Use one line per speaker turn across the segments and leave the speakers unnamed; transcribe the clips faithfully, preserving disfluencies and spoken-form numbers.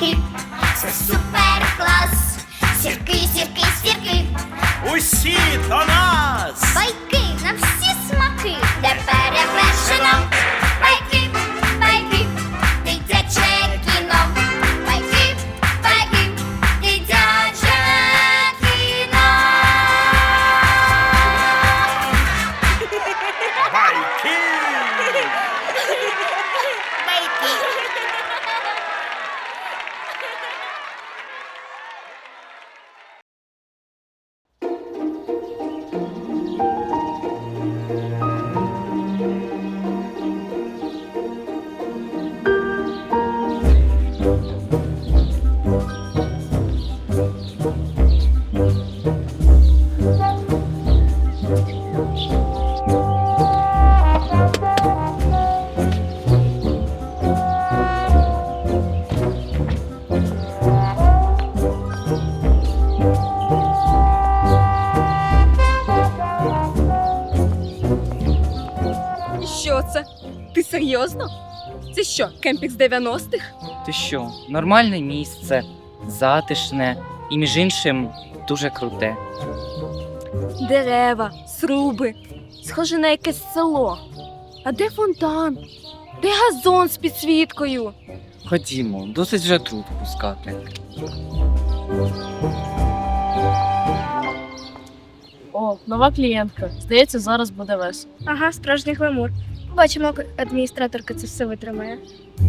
байки, це супер клас. Сірки, сірки, сірки,
Усі до нас!
байки на всі смаки, де перевершено. Байки, байки, дитяче кіно. Байки, байки, дитяче кіно.
Байки!
Що це? Ти серйозно? Це що, кемпінг з дев'яностих?
Ти що, нормальне місце, затишне і, між іншим, дуже круте.
Дерева, сруби. Схоже на якесь село. А де фонтан? Де газон з підсвіткою?
Ходімо, досить вже тут пускати.
О, нова клієнтка. Здається, зараз буде весело.
Ага, справжній гламур. Бачимо, як адміністраторка це все витримає.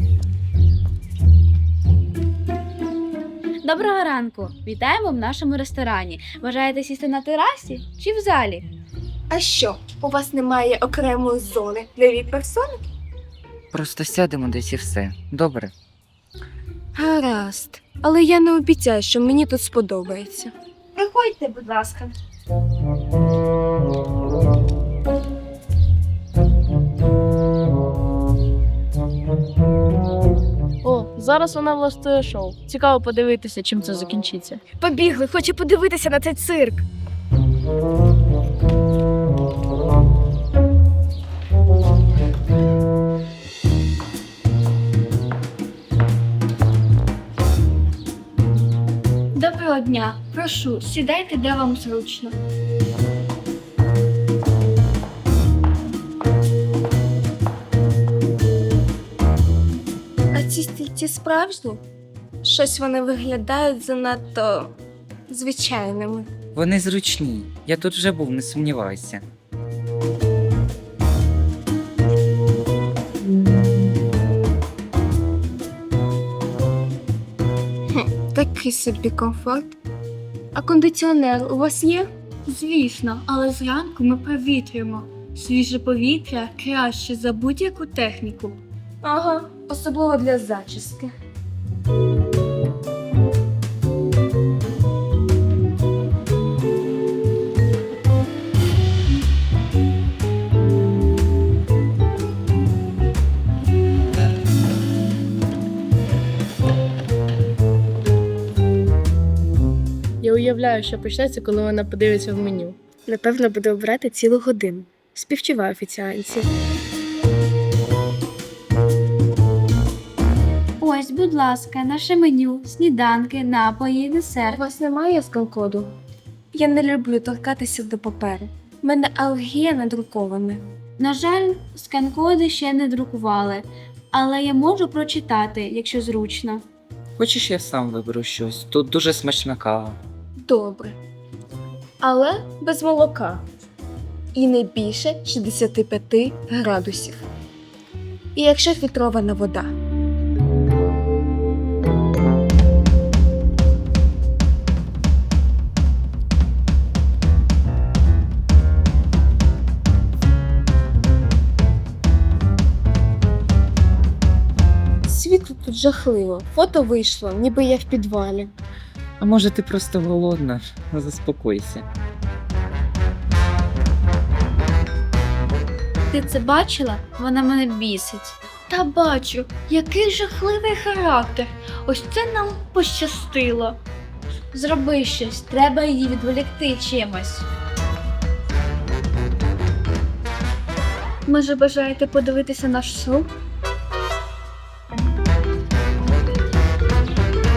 Доброго ранку! Вітаємо в нашому ресторані. Бажаєте сісти на терасі чи в залі?
А що, у вас немає окремої зони для віп-персони?
Просто сядемо десь і все. Добре?
Гаразд. Але я не обіцяю, що мені тут сподобається.
Приходьте, будь ласка.
О, зараз вона влаштує шоу. Цікаво подивитися, чим це закінчиться.
Побігли, хочу подивитися на цей цирк. Доброго дня. Прошу, сідайте, де вам зручно. А ці стільці справжні? Щось вони виглядають занадто звичайними.
Вони зручні. Я тут вже був, не сумнівайся.
Такий собі комфорт. А кондиціонер у вас є? Звісно, але зранку ми провітрюємо. Свіже повітря краще за будь-яку техніку. Ага, особливо для зачіски.
Я уявляю, що почнеться, коли вона подивиться в меню.
Напевно, буде обрати цілу годину. Співчуваю офіціанці.
Ось, будь ласка, наше меню, сніданки, напої,
У
десерт.
вас немає скан-коду? Я не люблю торкатися до паперу. У мене алергія на друковане.
На жаль, скан-коди ще не друкували, але я можу прочитати, якщо зручно.
Хочеш, я сам виберу щось? Тут дуже смачна кава.
Добре. Але без молока. І не більше шістдесят п'ять градусів. І якщо фільтрована вода. Світло тут жахливо. Фото вийшло, ніби я в підвалі.
А може ти просто голодна? Заспокойся.
Ти це бачила? Вона мене бісить.
Та бачу, який жахливий характер. Ось це нам пощастило.
Зроби щось, треба її відволікти чимось.
Може, бажаєте подивитися наш шоу?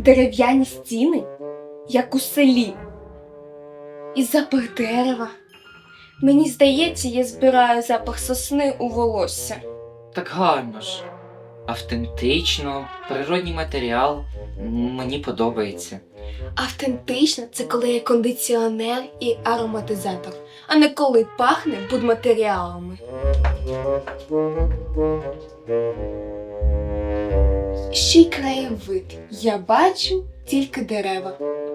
дерев'яні стіни, як у селі, і запах дерева. Мені здається, я збираю запах сосни у волосся.
Так гарно ж. Автентично, природній матеріал. Мені подобається.
Автентично – це коли є кондиціонер і ароматизатор, а не коли пахне будматеріалами. Ще й краєвид. Я бачу тільки дерева.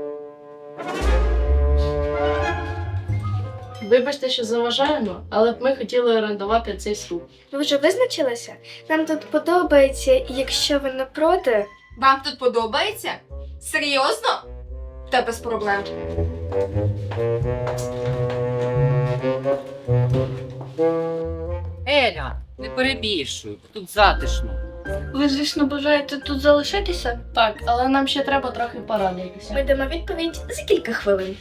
Вибачте, що заважаємо, але б ми хотіли орендувати цей сруб.
Ви вже визначилися? Нам тут подобається, і якщо ви не проти.
Вам тут подобається? Серйозно? Та без проблем.
Еля, не перебільшуй, тут затишно.
Ви, звісно, бажаєте тут залишитися?
Так, але нам ще треба трохи порадитися.
Ми дамо відповідь за кілька хвилин.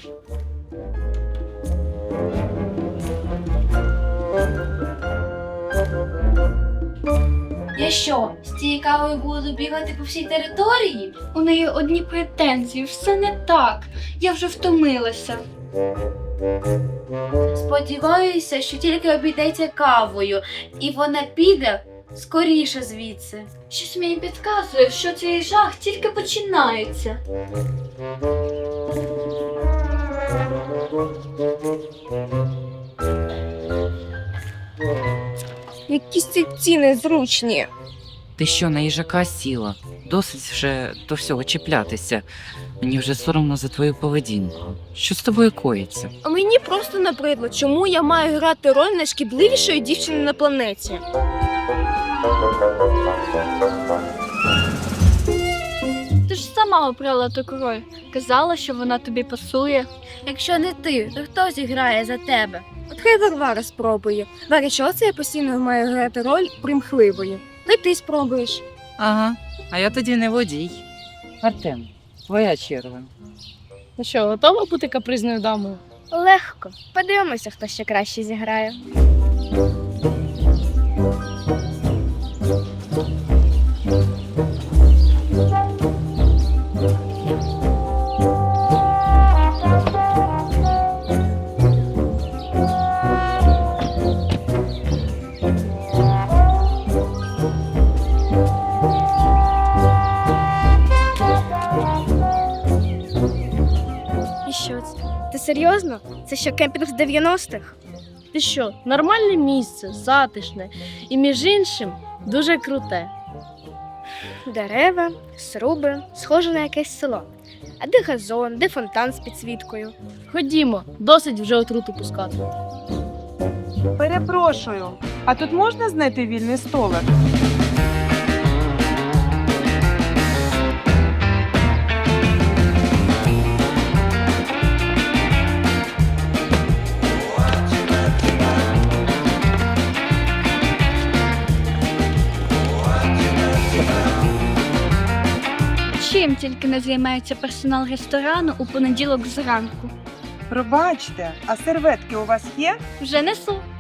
Я що, з цією кавою буду бігати по всій території?
У неї одні претензії, все не так. Я вже втомилася.
Сподіваюся, що тільки обійдеться кавою, і вона піде скоріше звідси.
Щось мені підказує, що цей жах тільки починається. Якісь ці ціни зручні.
Ти що, на їжака сіла? Досить вже до всього чіплятися. Мені вже соромно за твою поведінку. Що з тобою коїться?
А мені просто набридло, чому я маю грати роль найшкідливішої дівчини на планеті.
Ти ж сама обрала таку роль. Казала, що вона тобі пасує.
Якщо не ти, то хто зіграє за тебе?
От хай Варвара спробує. Варя, чого це я постійно маю грати роль примхливої? Та й ти спробуєш.
Ага, а я тоді не водій. Артем, твоя черга.
Ну що, готова бути капризною дамою?
Легко. Подивимося, хто ще краще зіграє. І що це? Ти серйозно? Це що, кемпінг з дев'яностих?
Ти що, нормальне місце, затишне і, між іншим, дуже круте.
Дерева, сруби, схоже на якесь село. А де газон, де фонтан з підсвіткою?
Ходімо, досить вже отруту пускати.
Перепрошую, а тут можна знайти вільний столик?
Чим тільки не займається персонал ресторану у понеділок зранку.
Пробачте, а серветки у вас є?
Вже несу.